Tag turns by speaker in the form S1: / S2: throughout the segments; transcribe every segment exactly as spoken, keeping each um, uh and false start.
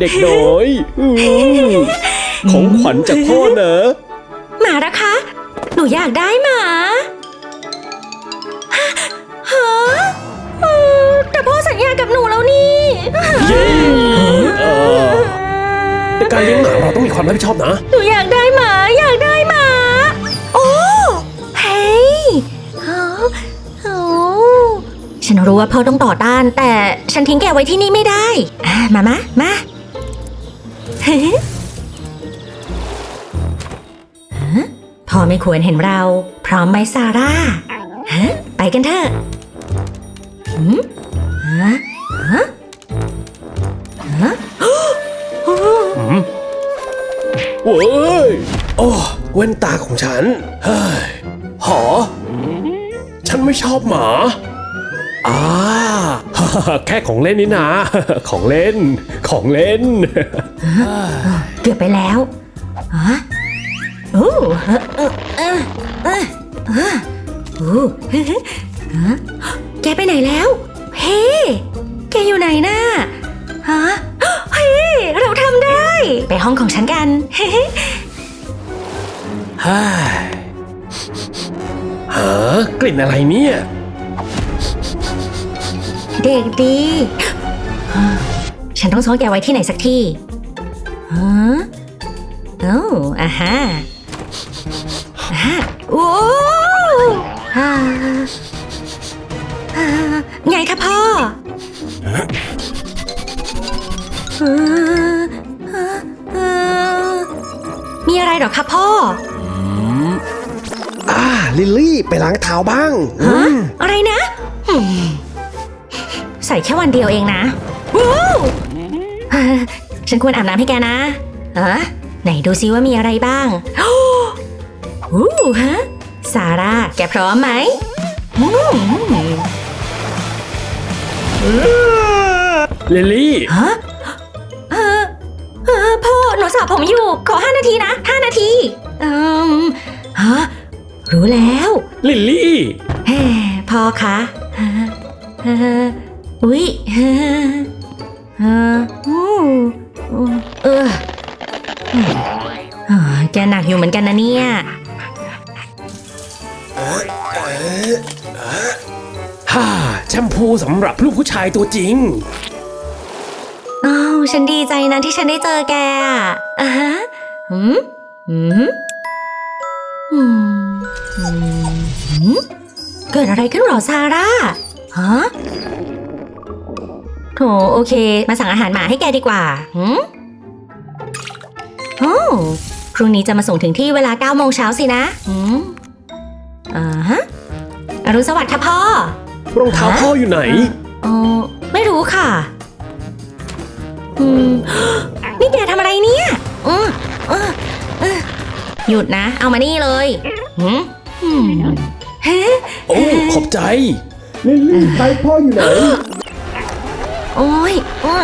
S1: เด็กน้อยของขวัญจากพ่อเนอะ
S2: หมาละคะหนูอยากได้หมาฮะแต่พ่อสัญญากับหนูแล้วนี่
S1: เย้แต่การเลี้ยงหมาเราต้องมีความรับผิดชอบนะ
S2: หนูอยากได้หมาอยากได้หมาโอ้เฮ้ยฉันรู้ว่าพ่อต้องต่อต้านแต่ฉันทิ้งแกไว้ที่นี่ไม่ได้มามะมาพ่อไม่ควรเห็นเราพร้อมไหมซาร่าฮะไปกันเถอะหืมฮะฮะฮะ
S1: โอ้ยโอ้แว่นตาของฉันเฮ้ยหอฉันไม่ชอบหมาอ่าแค่ของเล่นนี่นะของเล่นของเล่น
S2: เกือบไปแล้วฮะโอ้เออเออเออเออโอ้แกไปไหนแล้วเฮ้แกอยู่ไหนน่ะฮะเฮ้เราทำได้ไปห้องของฉันกันเฮ้
S1: ฮ่าฮะกลิ่นอะไรเนี่ย
S2: เด็กดีฉันต้องซ่อนแกไว้ที่ไหนสักที่ฮะโอ้อ่าฮะอ่าโอ้ฮ่าไงคะพ่อมีอะไรหรอคะพ่อ
S1: อ่าลิลลี่ไปล้างเท้าบ้าง
S2: ฮะอะไรนะใส่แค่วันเดียวเองนะว้าวฉันควรอาบน้ำให้แกนะเออไหนดูซิว่ามีอะไรบ้างโอ้ฮะซาร่าแกพร้อมไหม
S1: ลิลลี่
S2: ฮะเออเออพ่อหนูสระผมอยู่ขอห้านาทีนะห้านาทีอืมฮะรู้แล้ว
S1: ลิลลี่
S2: เฮ้พ่อคะอุ๊ยเออเออแกหนักอยู่เหมือนกันนะเนี่ย
S1: ฮ่าแชมพูสำหรับลูกผู้ชายตัวจริง
S2: อ้าวฉันดีใจนะที่ฉันได้เจอแกอ่ะอ่ะฮะหืมหืมหืมหืมเกิดอะไรขึ้นหรอซาร่าฮะโถโอเคมาสั่งอาหารหมาให้แกดีกว่าหืมโอ้พรุ่งนี้จะมาส่งถึงที่เวลาเก้าโมงเช้าสินะหืมอ่าฮะอรุณสวัสดิ์ค่ะพ่อ
S1: รองเท้าพ่ออยู่ไหน
S2: อ๋อไม่รู้ค่ะอืมนี่แกทำอะไรเนี่ยอือเออเออหยุดนะเอามานี่เลยหืม
S1: โอ้ขอบใจลิลลี่ไทยพ่ออยู่ไหน
S2: โอ้ย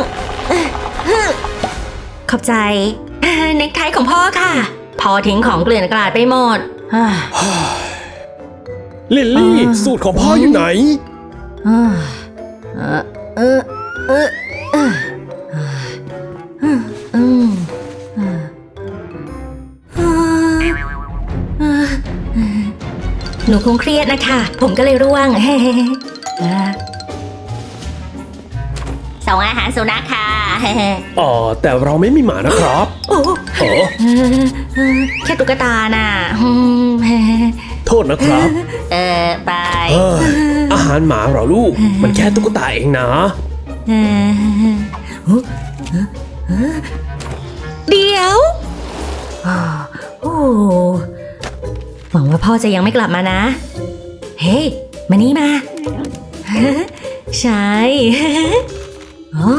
S2: ขอบใจเน็กไทของพ่อค่ะพ่อทิ้งของเกลื่อนกลาดไปหมด
S1: ลิลลี่สูตรของพ่ออยู่ไหน
S2: เออเออเออเอออืมหนูคงเครียดนะคะผมก็เลยร่วงส่งอาหารสุนัขค่ะ
S1: อ๋อแต่เราไม่มีหมานะครับ
S2: โอ้โหแค่ตุ๊กตาน่ะ
S1: โทษนะครับ
S2: เออไป
S1: อาหารหมาเหรอลูกมันแค่ตุ๊กตาเองนะ
S2: เดี๋ยวโอ้หวังว่าพ่อจะยังไม่กลับมานะเฮ้มานี่มาใช่โอ้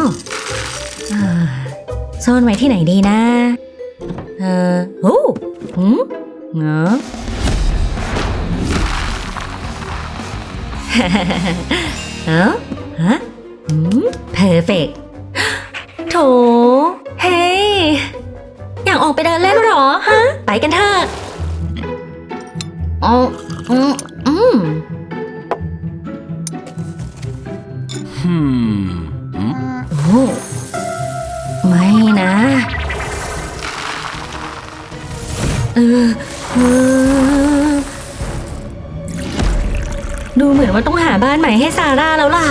S2: ซ่อนไว้ที่ไหนดีนะเออโอ้หืมเงาเอ้าฮะหืมเพอร์เฟกต์โถเฮ้อยากออกไปเดินเล่นหรอฮะไปกันเถอะอ๋ออืมอืม
S1: ฮึม
S2: โอ้อืไม่นะเออเออดูเหมือนว่าต้องหาบ้านใหม่ให้ซาร่าแล้วล่ะ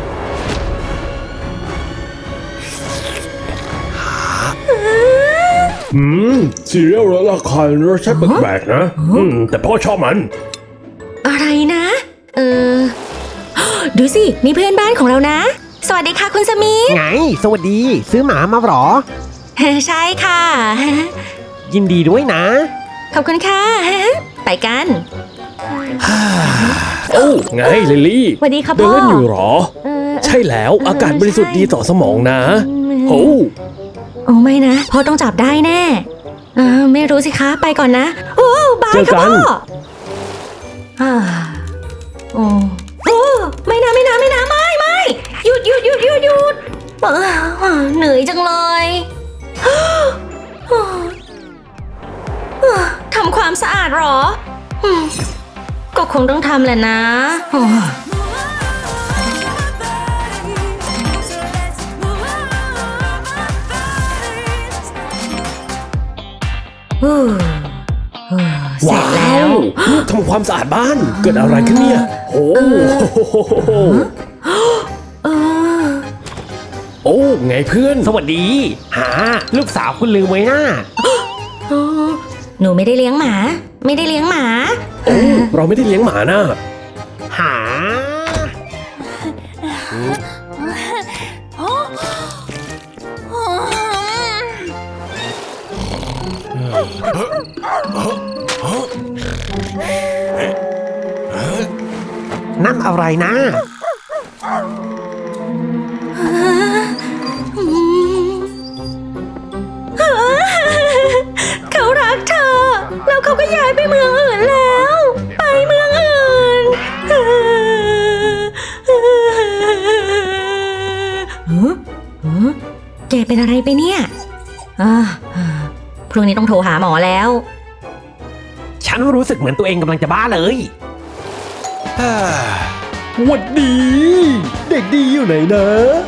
S1: อืมซีเรียลแล้วราคารสชาติแปลกๆนะ อืม แต่พ่อชอบมัน
S2: อะไรนะ เออ ดูสิ มีเพื่อนบ้านของเรานะ สวัสดีค่ะคุณสมิธ
S3: ไง สวัสดี ซื้อหมามาเหรอ
S2: ใช่ค่ะ
S3: ยินดีด้วยนะ
S2: ขอบคุณค่ะ ไปกัน
S1: โอ้ไงลิลลี่
S2: สวัสดีครับ
S1: เดิน
S2: พ่อ
S1: เล่นอยู่เหรอ
S2: เออ
S1: ใช่แล้วอากาศบริสุทธิ์ดีต่อสมองนะโอ้
S2: โอ้ไม่นะพ่อต้องจับได้แน่เออไม่รู้สิคะไปก่อนนะ โอ้บาย
S1: เจอ
S2: ค่ะ
S1: กัน
S2: พ่ออ่าโอ้โอ้ไม่นะไม่นะไม่นะไม่ไม่หยุดหยุดหยุดหยุดหยุดเออเหนื่อยจังเลยทำความสะอาดเหรออืมก็คงต้องทำแหละนะโอ้เออเออเสร็จแล้ว
S1: ลูกทำความสะอาดบ้าน เกิดอะไรขึ้นเนี่ยโอ้
S2: เออ
S1: โอ้ไงเพื่อน
S3: สวัสดี หา ลูกสาวคุณลืมไว้นะ
S2: เออหนูไม่ได้เลี้ยงหมา ไม่ได้เลี้ยงหมา
S1: โอ้เราไม่ได้เลี้ยงหมานะ
S3: หา นั่นอะไรนะ
S2: เขารักเธอ แล้วเขาก็ย้ายไปเมืองอื่นแล้ว ไปเมืองอื่นฮะฮะแกเป็นอะไรไปเนี่ยอ่าพรุ่งนี้ต้องโทรหาหมอแล้ว
S3: ฉันรู้สึกเหมือนตัวเองกำลังจะบ้าเลย
S1: หวัดดี เด็กดีอยู่ไหนนะ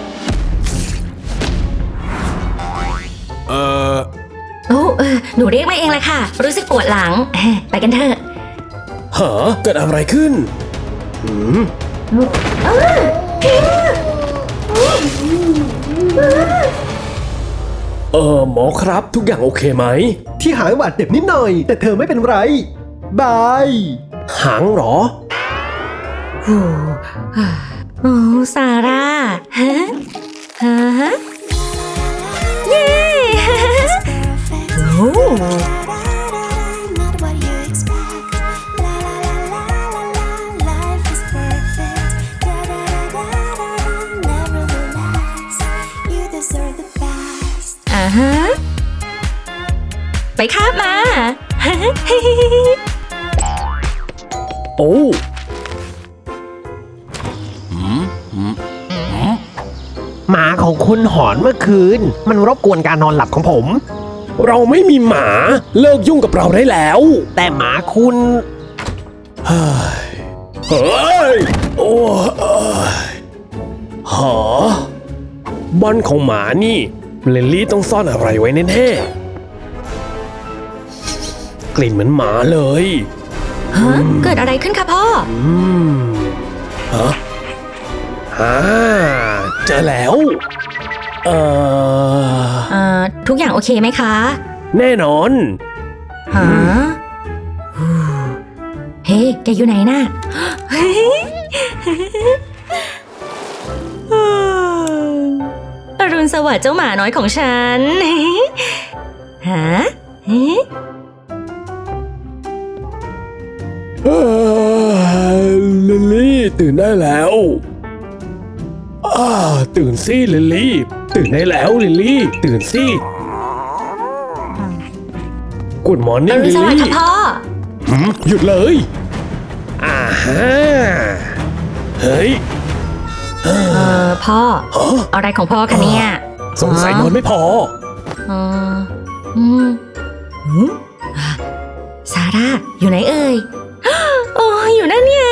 S1: เออ
S2: โอ้เออหนูเรียกมาเองเลยค่ะ รู้สึกปวดหลังเอ้ยไปกันเถอะ
S1: หาเกิดอะไรขึ้นหืมเออหมอครับทุกอย่างโอเคไหม
S4: ที่หายบาดเจ็บนิดหน่อย แต่เธอไม่เป็นไร บาย
S1: หางเหรอ
S2: โอ้โอ้ซาร่าฮะฮะเย้โอ้
S5: Not what you expect. La la la la la la, life is perfect. Da da da da da, nevertheless, you deserve the best.
S2: อ่าฮะไปคาบมา
S1: โอ้
S3: หมาของคุณหอนเมื่อคืน มันรบกวนการนอนหลับของผม
S1: เราไม่มีหมาเลิกยุ่งกับเราได้แล้ว
S3: แต่หมาคุณ
S1: เฮ้ยเฮ้ยโอ้เอ้ยหาบ้านของหมานี่ลิลลี่ต้องซ่อนอะไรไว้แน่ๆกลิ่นเหมือนหมาเลย
S2: ฮะเกิดอะไรขึ้นคะพ่อ
S1: อืมฮะฮ่าเจอแล้ว เอ่อ
S2: เอ่อ ทุกอย่างโอเคไหมคะ
S1: แน่นอน
S2: ฮะเฮ้แกอยู่ไหนน่ะเฮ้ยอรุณสวัสดิ์เจ้าหมาน้อยของฉันฮะเฮ้
S1: เอ้ยลิลลี่ตื่นได้แล้วอ้าตื่นสิลิลลี่ ตื่นได้แล้วลิลลี่ ตื่นสิกุดมอร์
S2: อ
S1: นิ่ง
S2: รุณ
S1: ลิล
S2: สวัสดิ์
S1: ลี่
S2: ค่ะพ่อ
S1: หืมหยุดเลยอ่าฮะเฮ้ย
S2: เออพ่อ อะไรของพ่อคะเนี่ย
S1: สงสัยนอนไม่พอ
S2: เอออืมหืมซาร่าอยู่ไหนเอ่ย โอ้อยู่นั่นไง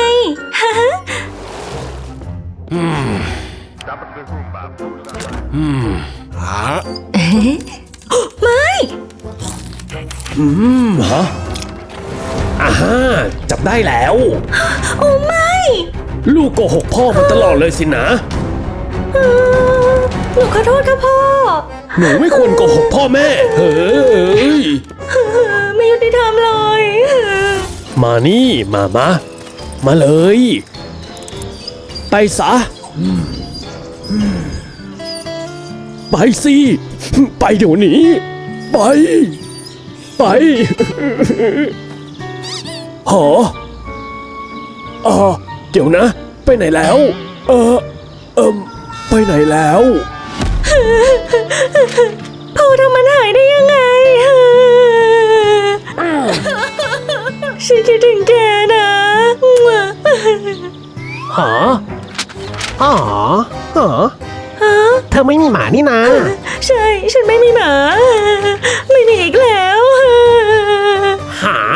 S1: อืมหา
S2: ไม่
S1: อืมฮะอ่าฮะจับได้แล้ว
S2: โอ้ไม่
S1: ลูกโกหกพ่อมาตลอดเลยสินะ
S2: เออหนูขอโทษค่ะพ่อ
S1: หนูไม่ควรโกหกพ่อแม่ เฮ้ย
S2: ไม่ยุติธรรมเลย
S1: มานี่มามา มาเลย ไปซะ ไปสิ ไปเดี๋ยวนี้ ไป ไป หอเออเดี๋ยวนะ ไปไหนแล้ว เออเอิมไปไหนแล้ว
S2: พ่อทำมันหายได้ยังไง ฉันคิดถึงแกนะ
S3: หออ๋อหอ
S2: ฮะ
S3: เธอไม่มีหมานี่นะ
S2: ใช่ ฉันไม่มีหมา ไม่มีอีกแล้ว
S3: หา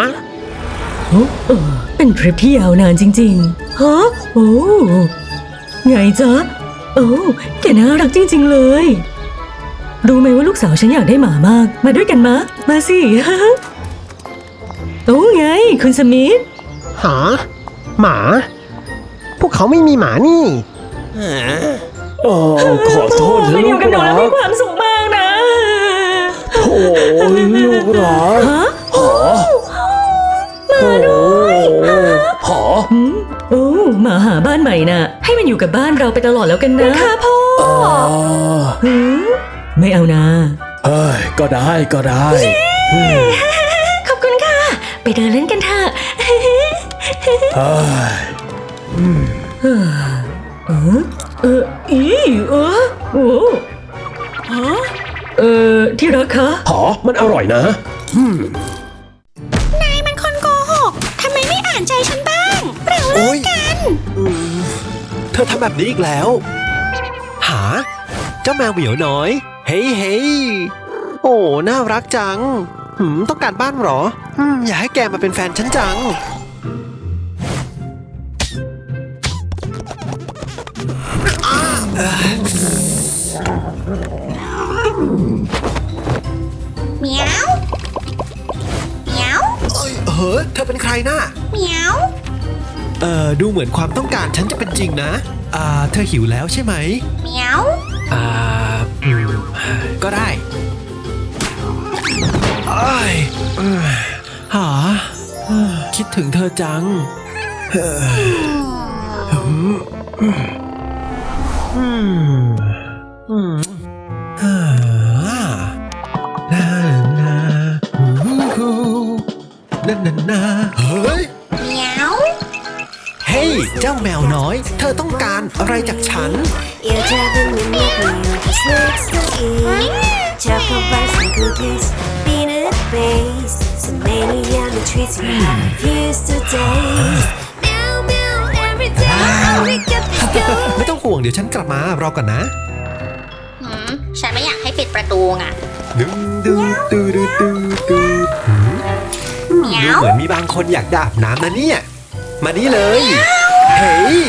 S2: เป็นทริปที่ยาวนานจริงๆ ฮะ โอ้ไงจ๊ะ โอ้แกน่ารักจริงๆเลย รู้ไหมว่าลูกสาวฉันอยากได้หมามาก มาด้วยกันมะ มาสิ โอ้ไง คุณสมิธ
S3: หา หมา พวกเขาไม่มีหมานี่
S1: เออขอโทษนะ
S2: มาอ
S1: ลู
S2: ยู่
S1: ก
S2: กับหนู
S1: รั
S2: แล้วมี
S1: ก
S2: ความสุขมากนะ
S1: โอ้ยลูกรัก
S2: ฮะ
S1: หอมาด้วยหอ
S2: อืมโอ้มาหาบ้านใหม่น่ะ ให้มันอยู่กับบ้านเราไปตลอดแล้วกันนะค่ะพ่อ
S1: อ่า
S2: หือไม่เอานะ
S1: เอ้ยก็ได้ก็ได้
S2: ขอบคุณค่ะ ไปเดินเล่นกันเถอะ
S1: เอ้ย
S2: เออเอออีเออโอ้ฮะเออที่รักคะ
S1: หอมันอร่อยนะ
S5: นายมันคนโกหก ทำไมไม่อ่านใจฉันบ้าง เราเลิกกัน
S4: เธอทำแบบนี้อีกแล้ว หา เจ้าแมวเหมียวน้อย เฮ้ยเฮ้ยโอ้ น่ารักจัง หืม ต้องการบ้านเหรออืมอยากให้แกมาเป็นแฟนฉันจัง
S5: เหมียวเหมียว
S4: เอ้ยเฮ้ยเธอเป็นใครน่ะ
S5: เหมียว
S4: เอ่อ ดูเหมือนความต้องการฉันจะเป็นจริงนะ อ่า เธอหิวแล้วใช่ไหม
S5: เหมียว
S4: อ่าอืมก็ได้อ้ายเอ้ยหาเอ้ยคิดถึงเธอจังเฮ้ยอืมอืมอืมอืมอ่านานาฮูฮูนานานาเฮ้ย
S5: เหมียว
S4: เฮ้ย เจ้าแมวน้อย เธอต้องการอะไรจากฉัน
S5: You're driving me nuts, just next to eat. Chocolate bars and cookies, peanut base. So many yummy treats you refuse to taste. Meow meow every time I wake up this go.
S4: ไม่ต้องห่วงเดี๋ยวฉันกลับมารอก่อนนะ
S5: หืม ฉันไม่อยากให้ปิดประตูไง
S4: ดึงดึงดูดูดูดู
S5: เหมียว
S4: เหมือนมีบางคนอยากดาบน้ำนะเนี่ย มานี่เลย เฮ้ย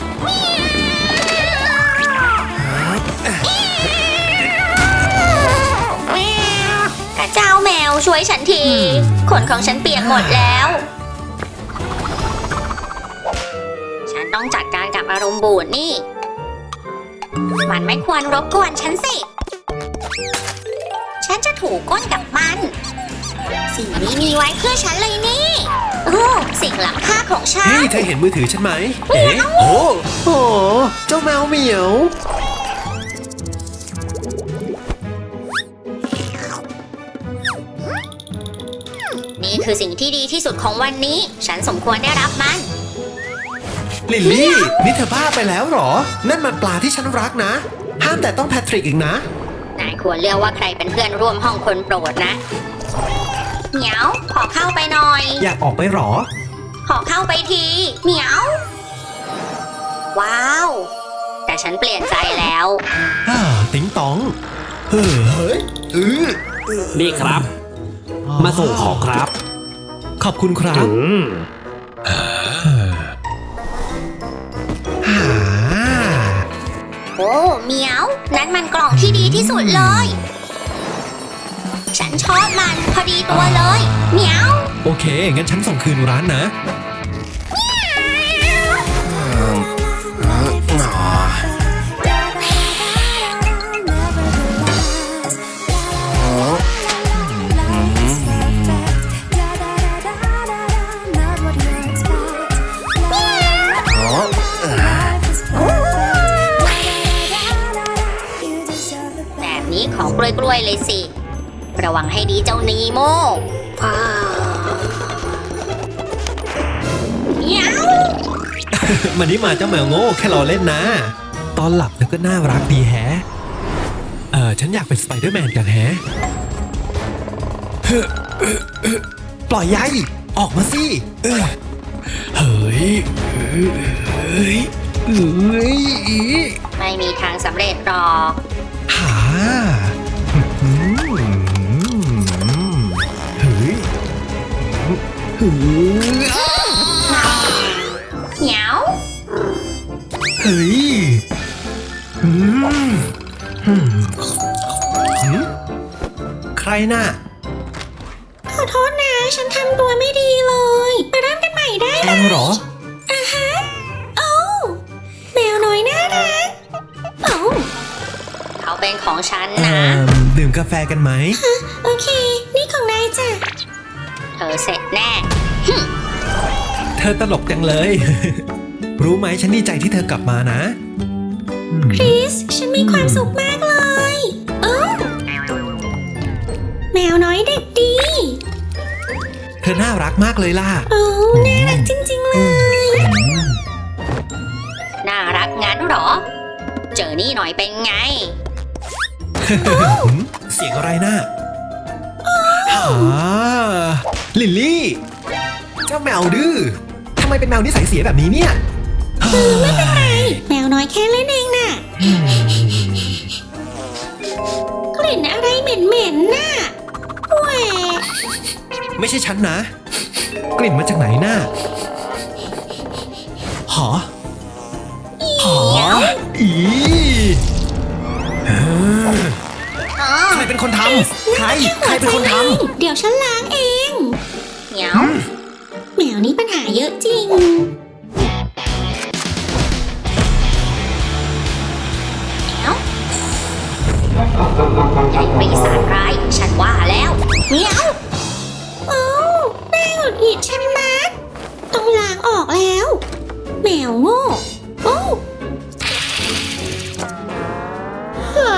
S5: กระเจ้าแมวช่วยฉันที ขนของฉันเปียกหมดแล้ว ฉันต้องจัดการกับอารมณ์บูดนี่ มันไม่ควรรบกวนฉันสิ ฉันจะถูก้นกับมัน สิ่งนี้มีไว้เพื่อฉันเลยนี่ โอ้สิ่งล้ำค่าของฉั
S4: เฮ้ย
S5: น
S4: เธอเห็นมือถือฉันไหม เอ๊ะโอ้โหเจ้าแมวเหมียว
S5: นี่คือสิ่งที่ดีที่สุดของวันนี้ ฉันสมควรได้รับมัน
S4: ลิลลี่ นี่เธอบ้าไปแล้วเหรอ นั่นมันปลาที่ฉันรักนะ ห้ามแต่ต้องแพทริกอีกนะ
S5: นายควรเลือกว่าใครเป็นเพื่อนร่วมห้องคนโปรดนะ เหมียว ขอเข้าไปหน่อย
S4: อยากออกไปเหรอ
S5: ขอเข้าไปที เหมียว ว้าว แต่ฉันเปลี่ยนใจแล้ว
S4: อ่า ติ๊งตอง เฮ้ยเฮ้ยเออ
S6: นี่ครับ มาส่งของครับ
S4: ขอบคุณครับ
S1: อืม
S4: หา
S5: โอ้เหมียว นั่นมันกล่องที่ดีที่สุดเลย
S2: ฉันชอบมันพอดีตัวเลยเหมียว
S4: โอเค งั้นฉันส่งคืนร้านนะ
S2: แบบนี้ของกล้วยๆเลยสิ ระวังให้ดีเจ้านีโมว้าวเหมียว
S4: มันนี่มาเจ้าแมวโง่แค่รอเล่นนะ ตอนหลับแล้วก็น่ารักดีแฮะ เออฉันอยากเป็นสไปเดอร์แมนกันแฮะ ปล่อยยัยออกมาสิเออเฮ้ยเฮ้ยเฮ้ยเฮ้ย
S2: ไม่มีทางสำเร็จหรอก
S4: หาอืมเฮ้ยเฮ้ย
S2: เหมียว
S4: เฮ้ยอืมอืมหืมใครน่ะ
S2: ขอโทษนะ ฉันทำตัวไม่ดีเลย มาเริ่มกันใหม่ได้
S4: แอมเหรอ
S2: อ่ะฮะโอ้แมวน้อยน่ารักโอ้เขาเป็นของฉัน
S4: เอ่
S2: นะ
S4: อดื่มกาแฟกันไหม
S2: โอเค นี่ของนายจ้ะ เธอเสร็จแน่
S4: เธอตลกจังเลย รู้ไหมฉันดีใจที่เธอกลับมานะอืม
S2: คริส ฉันมีความสุขมากเลยเออแมวน้อยเด็กดี
S4: เธอน่ารักมากเลยล่ะ
S2: โอ้น่ารักจริงๆเลย น่ารักงั้นเหรอ เจอนี่หน่อยเป็นไง
S4: เสียงอะไรน่ะหาลิลลี่ เจ้าแมวดื้อทำไมเป็นแมวนิสัยเสียแบบนี้เนี่ยไม่เป็นไร
S2: แมวน้อยแค่เล่นเองน่ะ กลิ่นอะไรเหม็นๆน่ะแหวะ
S4: ไม่ใช่ฉันนะ กลิ่นมาจากไหนน่ะหอหออีเออใครเป็นคนทำใคร ใครเป็นคนทำ
S2: เดี๋ยวฉันล้างเองเหมียวแมวนี้ปัญหาเยอะจริงเหมียวไอ้ปีศาจร้ายฉันว่าแล้วเหมียวโอ้แม่หงุดหงิดฉันมัดต้องล้างออกแล้วแมวโง่โอ้หา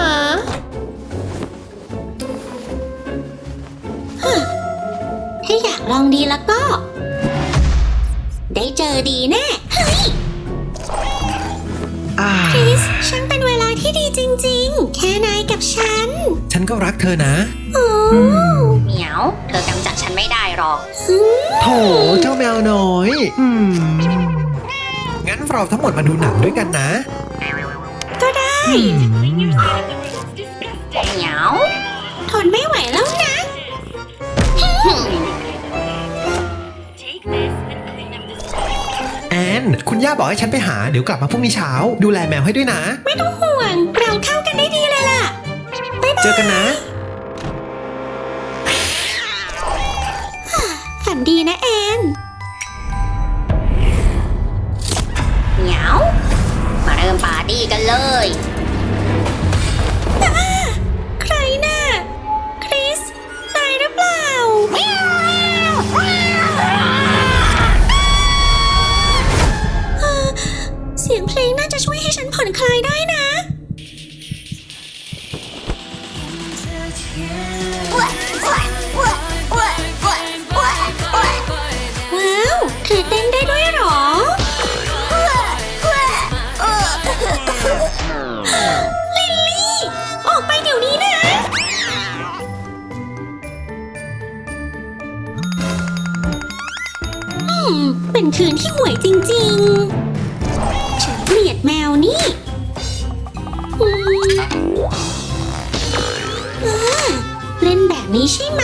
S2: ถ้าอยากลองดีแล้วก็ ได้เจอดีแน่ เฮ้ย
S4: อ่า
S2: คริส ฉันเป็นเวลาที่ดีจริงๆ แค่นายกับฉัน
S4: ฉันก็รักเธอนะ
S2: โอ้เหมียว เธอกำจัดฉันไม่ได้หรอก
S4: โถเจ้าแมวน้อย อืม งั้นเราทั้งหมดมาดูหนังด้วยกันนะ
S2: ก็ได้
S4: อืม
S2: เหมียว ทนไม่ไหวแล้วนะ
S4: แอน คุณย่าบอกให้ฉันไปหา เดี๋ยวกลับมาพรุ่งนี้เช้า ดูแลแมวให้ด้วยนะ
S2: ไม่ต้องห่วง เราเข้ากันได้ดีเลยล่ะ
S4: เจอกันนะ
S2: ฝันดีนะแอนเหมียว มาเริ่มปาร์ตี้กันเลยอ่าใครน่ะ คริส ตายหรือเปล่าเอ่อเสียงเพลงน่าจะช่วยให้ฉันผ่อนคลายได้นะ ว้าว เธอเต้นได้ด้วยเหรอ ลิลลี่ ออกไปเดี๋ยวนี้นะ อืม เป็นคืนที่ห่วยจริงๆ ฉันเกลียดแมวนี่อืมอ่าเล่นแบบนี้ใช่ไหม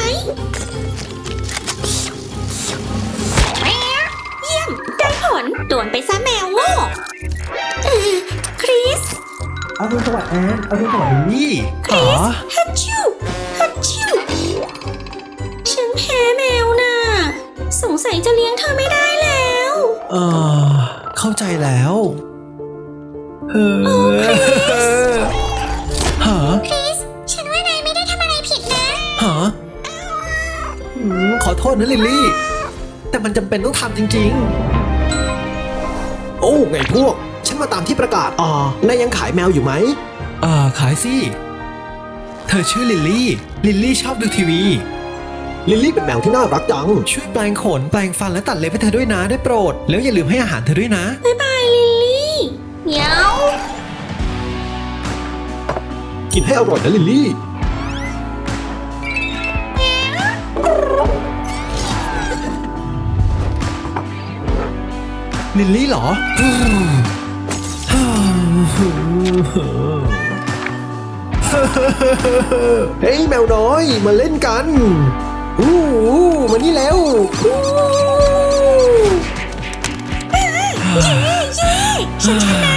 S2: เยี่ยม ได้ผลโดนไปซะแมวโง่เออคริส
S4: เอาดูสวัสดิ์แอน เอาดูสวัสดิ์ลิลลี่
S2: คริสฮัตชิวฮัตชิว
S4: เข้าใจแล้วเออฮะ
S5: ฉันว่านายไม่ได้ทำอะไรผิดนะ
S4: ฮะอืมขอโทษนะลิลลี่ แต่มันจำเป็นต้องทำจริง
S3: โอ้ไงพวก ฉันมาตามที่ประกาศอ่านายยังขายแมวอยู่ไหม
S4: ๆ อ่า ขายสิ เธอชื่อลิลลี่ ลิลลี่ชอบดูทีวี
S3: ลิลลี่เป็นแมวที่น่ารักจัง
S4: ช่วยแปลงขน แปลงฟันและตัดเล็บให้เธอด้วยนะ ได้โปรด แล้วอย่าลืมให้อาหารเธอด้วยนะ
S2: บ๊ายบายลิลลี่เหมียว
S3: กินให้อร่อยนะลิลลี่
S4: ลิลลี่เหรอ
S3: เฮ้ยแมวน้อยมาเล่นกันอู้อู้มานี่แล้วอู้
S2: ฉันชนะ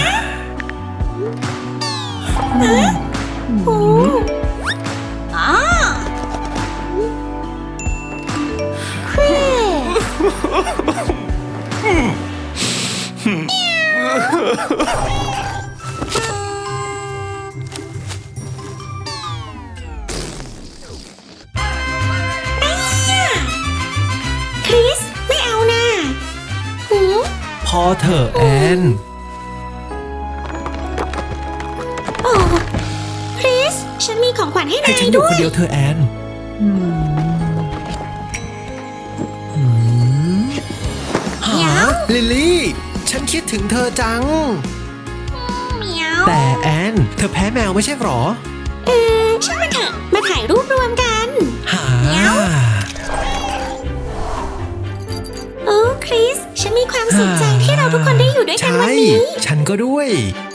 S2: ฮะโอ้อ๋อคริสคริส ไม่เอานะหือ
S4: พอเถอะแอน
S2: โอ้คริส ฉันมีของขวัญให้
S4: ให้
S2: นาย
S4: ฉันอยู่
S2: ด้ว
S4: คน
S2: ย
S4: เดียวเธอะแอนหาลิลลี่ ฉันคิดถึงเธอจัง
S2: เหมียว
S4: แต่แอน เธอแพ้แมวไม่ใช่หรอ
S2: เออช่างมันเถอะ มาถ่ายรูปรวมกัน
S4: หา
S2: เหมียว โอ้คริส ฉันมีความสุขใจที่เราทุกคนได้อยู่ด้วยกัน
S4: ใช่
S2: วันนี้
S4: ฉันก็ด้วย
S2: อ